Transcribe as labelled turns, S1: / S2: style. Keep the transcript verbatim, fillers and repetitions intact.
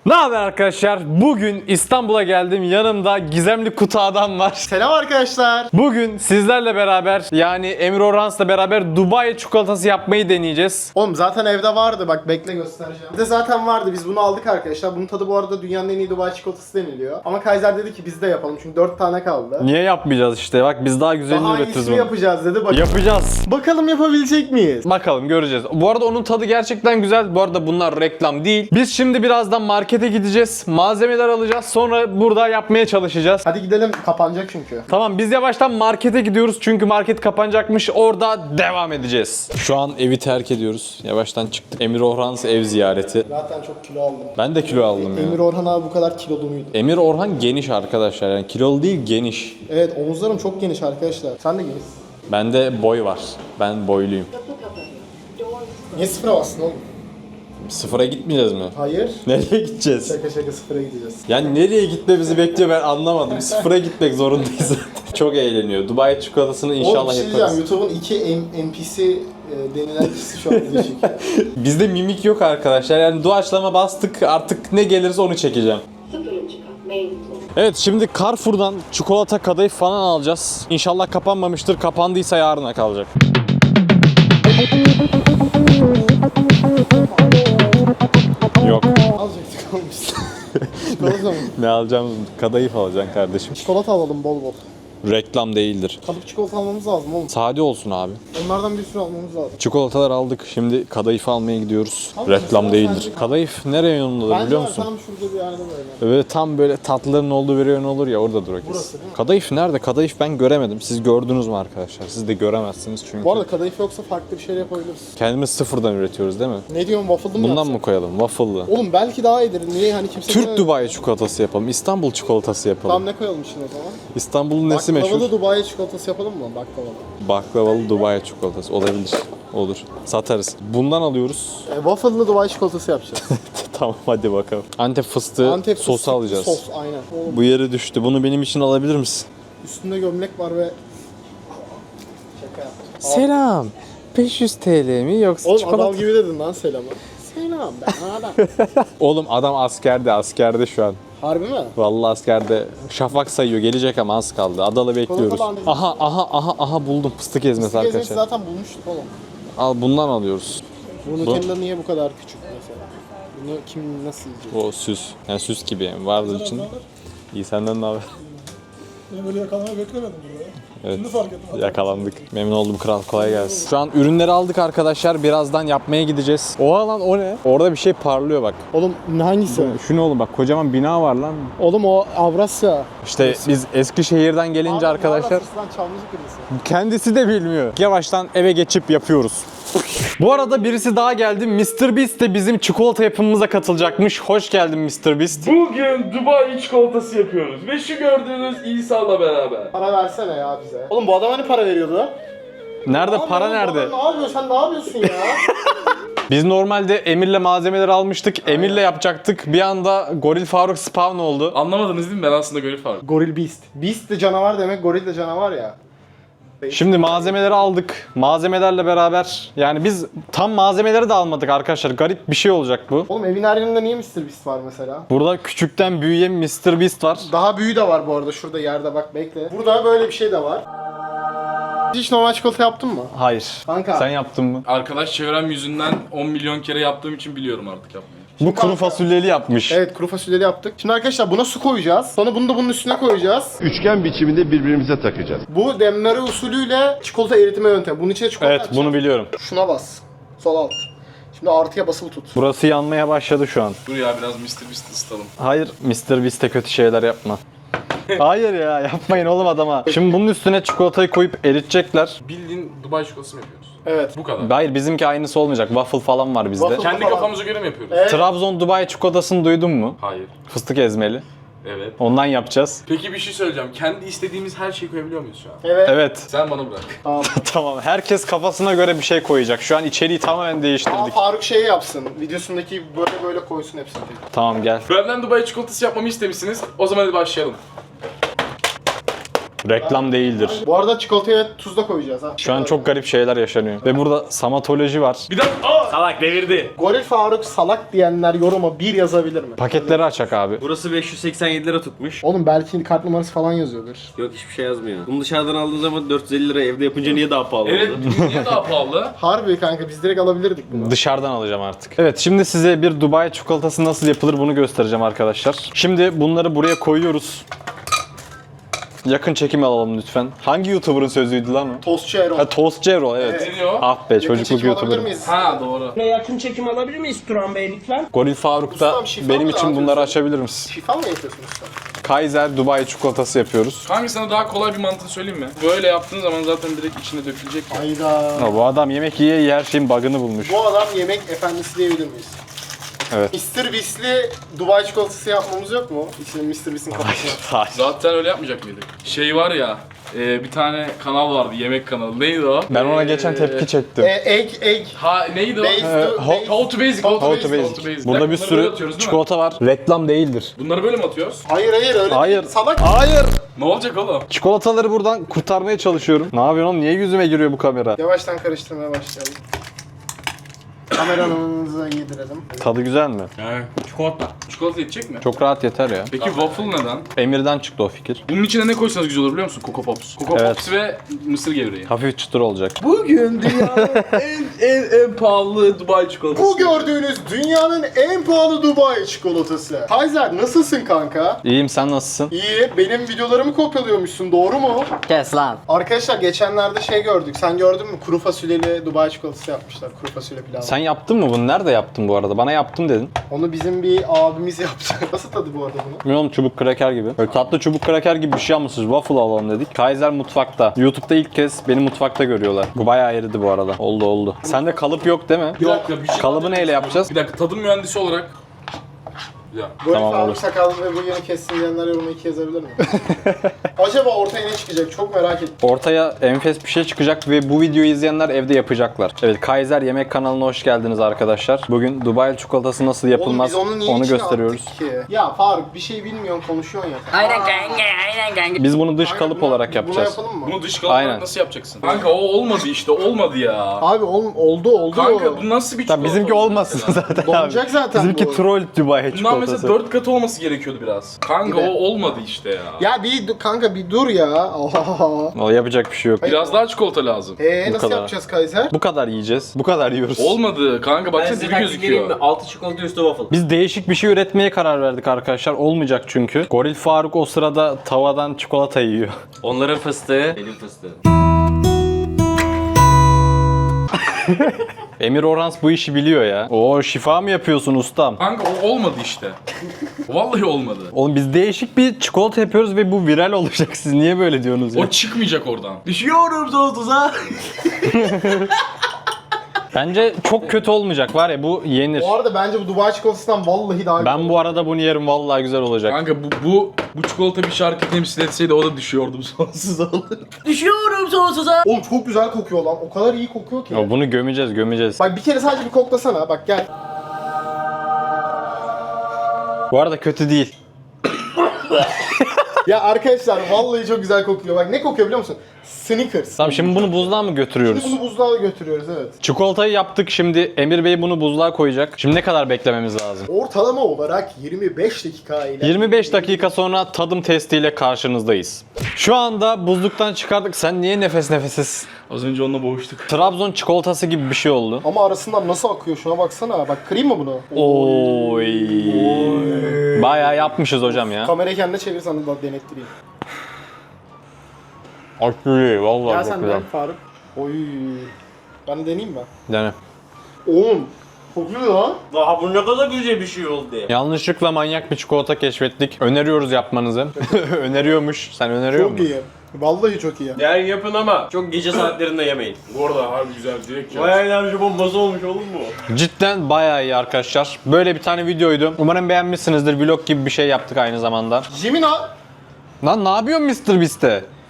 S1: Ne haber arkadaşlar? Bugün İstanbul'a geldim. Yanımda gizemli kutu adam var.
S2: Selam arkadaşlar.
S1: Bugün sizlerle beraber yani Emir Orhans'la beraber Dubai çikolatası yapmayı deneyeceğiz.
S2: Oğlum zaten evde vardı, bak bekle göstereceğim. Bizde zaten vardı, biz bunu aldık arkadaşlar. Bunun tadı bu arada dünyanın en iyi Dubai çikolatası deniliyor. Ama Kaiser dedi ki biz de yapalım çünkü dört tane kaldı.
S1: Niye yapmayacağız işte? Bak biz daha güzelini
S2: Daha
S1: üretiriz
S2: iyisini
S1: bunu.
S2: yapacağız dedi. Bak
S1: Yapacağız.
S2: bakalım yapabilecek miyiz?
S1: Bakalım göreceğiz. Bu arada onun tadı gerçekten güzel. Bu arada bunlar reklam değil. Biz şimdi birazdan markete gideceğiz. Malzemeler alacağız. Sonra burada yapmaya çalışacağız.
S2: Hadi gidelim, kapanacak çünkü.
S1: Tamam biz yavaştan markete gidiyoruz çünkü market kapanacakmış. Orada devam edeceğiz. Şu an evi terk ediyoruz. Yavaştan çıktık. Emir Orhans ev ziyareti.
S2: Zaten çok kilo aldım.
S1: Ben de kilo aldım ya.
S2: Emir Orhan abi bu kadar kilolu muydu?
S1: Emir Orhan geniş arkadaşlar. Yani kilolu değil geniş.
S2: Evet, omuzlarım çok geniş arkadaşlar. Sen de genişsin.
S1: Bende boy var. Ben boyluyum.
S2: Niye sıfıra bastın oğlum?
S1: Sıfıra gitmeyeceğiz mi?
S2: Hayır.
S1: Nereye gideceğiz?
S2: Şaka şaka sıfıra gideceğiz.
S1: Yani nereye gitmemizi bekliyor ben anlamadım. Sıfıra gitmek zorundayız zaten. Çok eğleniyor. Dubai çikolatasını
S2: Oğlum
S1: inşallah
S2: bir şey
S1: yaparız.
S2: diyeceğim, YouTube'un iki N P C e, denilen kişisi şu an video çekiyor.
S1: Bizde mimik yok arkadaşlar. Yani doğaçlama bastık. Artık ne gelirse onu çekeceğim. Evet şimdi Carrefour'dan çikolata kadayıf falan alacağız. İnşallah kapanmamıştır. Kapandıysa yarına kalacak. Yok.
S2: Alacaktık oğlum biz. Çikolata mı?
S1: Ne alacağım? Kadayıf alacaksın kardeşim.
S2: Çikolata alalım bol bol.
S1: Reklam değildir.
S2: Kalıp çikolata almamız lazım oğlum.
S1: Sade olsun abi.
S2: Onlardan bir sürü almamız lazım.
S1: Çikolatalar aldık. Şimdi kadayıf almaya gidiyoruz.
S2: Abi,
S1: Reklam
S2: mesela
S1: değildir.
S2: sence-
S1: Kadayıf nereye yolundadır
S2: Bence
S1: biliyor
S2: var,
S1: musun?
S2: tam şurada bir yerde böyle.
S1: Böyle tam böyle tatlıların olduğu bir yön olur ya oradadır o kesin.
S2: Burası değil mi?
S1: Kadayıf nerede? Kadayıf ben göremedim. Siz gördünüz mü arkadaşlar? Siz de göremezsiniz çünkü.
S2: Bu arada kadayıf yoksa farklı bir şey yapabiliriz.
S1: Kendimiz sıfırdan üretiyoruz değil mi?
S2: Ne diyorsun, waffle'lı mı
S1: Bundan
S2: yapsak?
S1: mı koyalım? Waffle'lı.
S2: Oğlum belki daha iyidir. Niye hani kimse...
S1: Türk Dubai çikolatası yapalım. İstanbul çikolatası yapalım.
S2: Tam ne koyalım şimdi o zaman?
S1: İstanbul'un nesi meşhur?
S2: Baklavalı Dubai çikolatası yapalım mı? Baklavalı.
S1: Baklavalı Dubai çikolatası olabilir. Olur. Satarız. Bundan alıyoruz.
S2: E, waffle'lı Dubai çikolatası yapacağız.
S1: Tamam hadi bakalım. Antep fıstığı
S2: Antep
S1: sosu
S2: fıstıklı
S1: alacağız.
S2: Sos aynen. Oğlum
S1: Bu yere düştü. Bunu benim için alabilir misin?
S2: üstünde gömlek var ve... Şaka yaptım.
S1: Selam. beş yüz TL mi yoksa
S2: Oğlum
S1: çikolata?
S2: adam gibi dedin lan selamı. Selam ben adam.
S1: Oğlum adam askerde, askerde şu an.
S2: Harbi mi?
S1: Vallahi askerde şafak sayıyor. Gelecek ama az kaldı. Adalı bekliyoruz.
S2: bandajı.
S1: Aha aha aha aha buldum fıstık ezmesi
S2: Fıstık ezmesi
S1: arkadaşlar.
S2: zaten bulmuştuk oğlum.
S1: Al bundan alıyoruz.
S2: Bu Nutella niye bu kadar küçük mesela? Bunu kim nasıl yiyecek?
S1: O süs. Yani süs gibi yani vardır için. İyi senden ne haber?
S3: Ben böyle yakalamayı beklemedim burada ya.
S1: Evet.
S3: Şimdi fark ettim.
S1: Yakalandık. Memnun oldum kral. Kolay gelsin. Şu an ürünleri aldık arkadaşlar. Birazdan yapmaya gideceğiz. Oha lan o ne? Orada bir şey parlıyor bak.
S2: Oğlum hangisi?
S1: Şu ne oğlum bak kocaman bina var lan.
S2: Oğlum o Avrasya.
S1: İşte biz Eskişehir'den gelince arkadaşlar
S2: Avrasya Çamlıca kırmızı.
S1: kendisi de bilmiyor. Yavaştan eve geçip yapıyoruz. Bu arada birisi daha geldi. mister Beast de bizim çikolata yapımımıza katılacakmış. Hoş geldin mister Beast.
S4: Bugün Dubai çikolatası yapıyoruz ve şu gördüğünüz İsa'la beraber.
S2: Para versene ya bize. Oğlum bu adam hani para veriyordu?
S1: Nerede
S2: Abi
S1: para
S2: oğlum, bu
S1: nerede?
S2: adam Ne yapıyor? Sen ne yapıyorsun ya?
S1: Biz normalde Emir'le malzemeleri almıştık. Emir'le yapacaktık. Bir anda Goril Faruk spawn oldu.
S4: Anlamadınız değil mi? Ben aslında Goril Faruk.
S2: Goril Beast. Beast de canavar demek, goril de canavar ya.
S1: Şimdi malzemeleri aldık. Malzemelerle beraber yani biz tam malzemeleri de almadık arkadaşlar. Garip bir şey olacak bu.
S2: Oğlum evin her yerinde niye mister Beast var mesela?
S1: Burada küçükten büyüyen mister Beast var.
S2: Daha büyüğü de var bu arada, şurada yerde bak bekle. Burada böyle bir şey de var. Hiç normal çikolata yaptın mı?
S1: Hayır.
S2: Kanka.
S1: Sen yaptın mı?
S4: Arkadaş çevrem yüzünden on milyon kere yaptığım için biliyorum artık yapmayı.
S1: Bu kuru fasulyeli yapmış.
S2: Evet, kuru fasulyeli yaptık. Şimdi arkadaşlar buna su koyacağız. Sonra bunu da bunun üstüne koyacağız.
S5: Üçgen biçiminde birbirimize takacağız.
S2: Bu demleme usulüyle çikolata eritme yöntemi. Bunun içine çikolata
S1: Evet
S2: atacağız.
S1: bunu biliyorum.
S2: Şuna bas. Sol alt. Şimdi artıya basılı tut.
S1: Burası yanmaya başladı şu an.
S4: Dur ya biraz mister Beast ısıtalım.
S1: Hayır mister Beast'e kötü şeyler yapma. Hayır ya yapmayın oğlum adama. Şimdi bunun üstüne çikolatayı koyup eritecekler.
S4: Bildiğin Dubai çikolatası mı yapıyoruz?
S2: Evet.
S4: Bu kadar.
S1: Hayır bizimki aynısı olmayacak. Waffle falan var bizde.
S2: Waffle.
S4: Kendi kafamıza göre mi yapıyoruz?
S2: Evet.
S1: Trabzon Dubai çikolatasını duydun mu?
S4: Hayır.
S1: Fıstık ezmeli.
S4: Evet.
S1: Ondan yapacağız.
S4: Peki bir şey söyleyeceğim. Kendi istediğimiz her şeyi koyabiliyor muyuz şu an?
S2: Evet.
S1: Evet.
S4: Sen bana bırak.
S2: Tamam.
S1: Tamam. Herkes kafasına göre bir şey koyacak. Şu an içeriği tamamen
S2: Ama
S1: değiştirdik.
S2: Faruk şey yapsın. Videosundaki böyle böyle koysun hepsini.
S1: Tamam gel.
S4: Benden Dubai çikolatası yapmamı istemişsiniz. O zaman hadi başlayalım.
S1: Reklam değildir.
S2: Bu arada çikolataya tuz da koyacağız ha.
S1: Şu an çok garip şeyler yaşanıyor. Ve burada samatoloji var.
S4: Bir dakika. Aa!
S6: Salak devirdi.
S2: Goril Faruk salak diyenler yoruma bir yazabilir mi?
S1: Paketleri açak abi.
S6: Burası beş yüz seksen yedi lira tutmuş.
S2: Oğlum belki kart numarası falan yazıyordur.
S6: Yok hiçbir şey yazmıyor. Bunu dışarıdan aldığın zaman dört yüz elli lira, evde yapınca niye daha pahalı
S4: Evet,
S6: oldu?
S4: niye daha pahalı?
S2: Harbi kanka biz direkt alabilirdik bunu.
S1: Dışarıdan alacağım artık. Evet, şimdi size bir Dubai çikolatası nasıl yapılır bunu göstereceğim arkadaşlar. Şimdi bunları buraya koyuyoruz. Yakın çekim alalım lütfen. Hangi YouTuber'ın sözüydü lan o?
S2: Tostçu Erol.
S1: Ha, Toast Cero, evet.
S4: Ne diyor?
S1: Ah be,
S2: Yakın
S1: çocukluk
S2: çekim alabilir
S1: YouTuber.
S2: miyiz?
S4: Ha doğru.
S7: Yakın çekim alabilir miyiz Turan Bey lütfen?
S1: Goril Faruk da
S2: Ustam, şifa
S1: benim
S2: mı
S1: için bunları
S2: dağıtıyorsun?
S1: açabilir misin?
S2: Şifa mı yapıyorsunuz sen?
S1: Kaiser Dubai çikolatası yapıyoruz.
S4: Kanka sana daha kolay bir mantık söyleyeyim mi? Böyle yaptığın zaman zaten direkt içine dökülecek. ya.
S2: Hayda.
S1: Ha, bu adam yemek yiye yiye her şeyin bug'ını bulmuş.
S2: Bu adam yemek efendisi diyebilir miyiz?
S1: Evet.
S2: mister Beast'li Dubai çikolatası yapmamız yok mu? İçine mister Beast'in kafasına.
S1: Hayır.
S4: Zaten öyle yapmayacak mıydık? Şey var ya, e, bir tane kanal vardı, yemek kanalı. Neydi o?
S1: Ben ona
S4: Ee,
S1: geçen tepki çektim.
S2: e, egg, egg.
S4: Ha neydi o?
S2: Base
S1: Ee,
S2: to,
S1: ho-
S2: base.
S4: How to basic, how to
S1: How to
S4: basic,
S1: basic.
S4: how to basic.
S1: Burada bir
S4: Bunları böyle
S1: sürü
S4: atıyoruz, değil mi?
S1: çikolata var. Reklam değildir.
S4: Bunları böyle mi atıyoruz?
S2: Hayır hayır öyle
S1: Hayır.
S2: değil. Salak.
S1: Hayır.
S4: Ne olacak oğlum?
S1: Çikolataları buradan kurtarmaya çalışıyorum. Ne yapıyorsun oğlum? Niye yüzüme giriyor bu kamera?
S2: Yavaştan karıştırmaya başlayalım. Kameranızı yedirelim.
S1: Tadı güzel mi?
S6: Çikolata.
S4: Çikolata yetecek mi?
S1: Çok rahat yeter ya.
S4: Peki waffle neden?
S1: Emir'den çıktı o fikir.
S4: Bunun içine ne koysanız güzel olur biliyor musun? Coco Pops. Coco
S1: Evet.
S4: Pops ve mısır gevreği.
S1: Hafif çıtır olacak.
S4: Bugün dünyanın en, en en pahalı Dubai çikolatası.
S2: Bu gördüğünüz dünyanın en pahalı Dubai çikolatası. Kaiser nasılsın kanka?
S1: İyiyim, sen nasılsın?
S2: İyi, benim videolarımı kopyalıyormuşsun, doğru mu?
S7: Kes lan.
S2: Arkadaşlar geçenlerde şey gördük, sen gördün mü? Kuru fasulyeli Dubai çikolatası yapmışlar, kuru fasulye pilavı.
S1: Sen yaptın mı bunu? Nerede yaptın bu arada? Bana yaptım dedin.
S2: Onu bizim bir abimiz yaptı. Nasıl tadı bu arada bunu?
S1: Bilmiyorum, çubuk kraker gibi. Böyle tatlı çubuk kraker gibi bir şey almışız. Waffle alalım dedik. Kaiser mutfakta. YouTube'da ilk kez beni mutfakta görüyorlar. Bu bayağı eridi bu arada. Oldu oldu. Sende kalıp yok değil mi?
S4: Bir dakika bir şey
S1: Kalıbı neyle yapacağız?
S4: Bir dakika tadım mühendisi olarak. Ya.
S2: Böyle
S1: Tamam,
S2: Faruk
S1: olur.
S2: sakallı ve bu yeni kessin diyenler yoruma iki yazabilir mi? Acaba ortaya ne çıkacak? Çok merak ettim.
S1: Ortaya enfes bir şey çıkacak ve bu videoyu izleyenler evde yapacaklar. Evet, Kaiser Yemek kanalına hoş geldiniz arkadaşlar. Bugün Dubai çikolatası nasıl yapılmaz
S2: Oğlum biz onu niye
S1: onu
S2: içine
S1: gösteriyoruz.
S2: attık ki? Ya Faruk bir şey bilmiyorsun konuşuyorsun ya.
S7: Aynen kanka aynen kanka.
S1: Biz bunu dış
S2: Kanka,
S1: kalıp
S2: buna-
S1: olarak
S2: Buna
S1: yapacağız.
S2: yapalım mı?
S4: Bunu dış kalıp
S1: Aynen.
S4: nasıl yapacaksın? Kanka o olmadı işte olmadı ya.
S2: Abi oğlum oldu oldu.
S4: Kanka bu nasıl bir çikolata?
S1: Tabii bizimki
S4: oldu
S1: olmasın
S4: mesela?
S1: zaten
S2: Donacak
S1: abi.
S2: zaten
S1: Bizimki
S2: bu.
S1: troll Dubai
S4: Bundan
S1: çikolatası.
S4: mesela dört katı olması gerekiyordu biraz. Kanka
S2: Bir de-
S4: o olmadı işte ya.
S2: Ya bir dur- kanka bir dur ya. Oha.
S1: O yapacak bir şey yok.
S4: Biraz daha çikolata lazım.
S2: Eee
S1: Bu
S2: nasıl
S1: kadar.
S2: yapacağız Kaiser?
S1: Bu kadar yiyeceğiz. Bu kadar yiyoruz.
S4: Olmadı kanka
S6: Ben
S4: baksana
S6: size
S4: dibi
S6: taktik vereyim mi?
S4: gözüküyor.
S6: Altı çikolata üstü waffle.
S1: Biz değişik bir şey üretmeye karar verdik arkadaşlar. Olmayacak çünkü. Goril Faruk o sırada tavadan çikolata yiyor.
S6: Onların fıstığı. Benim fıstığım.
S1: Emir Orans bu işi biliyor ya. Oo, şifa mı yapıyorsun ustam?
S4: Kanka o olmadı işte. Vallahi olmadı.
S1: Oğlum biz değişik bir çikolata yapıyoruz ve bu viral olacak. Siz niye böyle diyorsunuz ya?
S4: O çıkmayacak oradan.
S6: Düşüyorum sonsuza.
S1: Bence çok kötü olmayacak var ya, bu yenir.
S2: Bu arada bence bu Dubai çikolatasından vallahi daha
S1: Ben bu arada bunu yerim, vallahi güzel olacak.
S4: Kanka bu bu bu çikolata bir şarkı temsil etseydi o da düşüyordum sonsuza olur.
S6: Düşüyorum sonsuza.
S2: Oğlum çok güzel kokuyor lan. O kadar iyi kokuyor ki.
S1: Ya bunu gömeceğiz, gömeceğiz.
S2: Bak bir kere sadece bir koklasana. Bak gel.
S1: Bu arada kötü değil.
S2: Ya arkadaşlar vallahi çok güzel kokuyor. Bak ne kokuyor biliyor musun? Snickers.
S1: Tamam, şimdi bunu buzluğa mı götürüyoruz?
S2: Şimdi bunu buzluğa götürüyoruz evet.
S1: Çikolatayı yaptık, şimdi Emir Bey bunu buzluğa koyacak. Şimdi ne kadar beklememiz lazım?
S2: Ortalama olarak yirmi beş dakika ile.
S1: yirmi beş dakika sonra tadım testiyle karşınızdayız. Şu anda buzluktan çıkardık. Sen niye nefes nefesiz?
S4: Az önce onunla boğuştuk.
S1: Trabzon çikolatası gibi bir şey oldu.
S2: Ama arasından nasıl akıyor şuna baksana. Bak kırayım mı bunu?
S1: Oy. Bayağı yapmışız hocam ya.
S2: Kamerayı kendine çevir sana da denettireyim.
S1: Aşırı iyi, vallahi
S2: Gel
S1: çok
S2: sen
S1: güzel.
S2: de Faruk. Oy. Ben de deneyeyim mi?
S1: Yani
S2: Oğlum. Kokuyor lan.
S6: Daha bu ne kadar güzel bir şey oldu ya.
S1: yanlışlıkla manyak bir çikolata keşfettik. Öneriyoruz yapmanızı. Öneriyormuş. Sen öneriyor
S2: Çok
S1: musun?
S2: iyi. Vallahi çok iyi.
S6: Yani yapın ama çok gece saatlerinde yemeyin.
S4: Bu arada harbi güzel direkt ya.
S6: Bayağı enerji bombası olmuş oğlum bu.
S1: Cidden bayağı iyi arkadaşlar. Böyle bir tane videoydu. Umarım beğenmişsinizdir. Vlog gibi bir şey yaptık aynı zamanda.
S2: Jimina.
S1: Lan ne yapıyorsun mister Beast'te?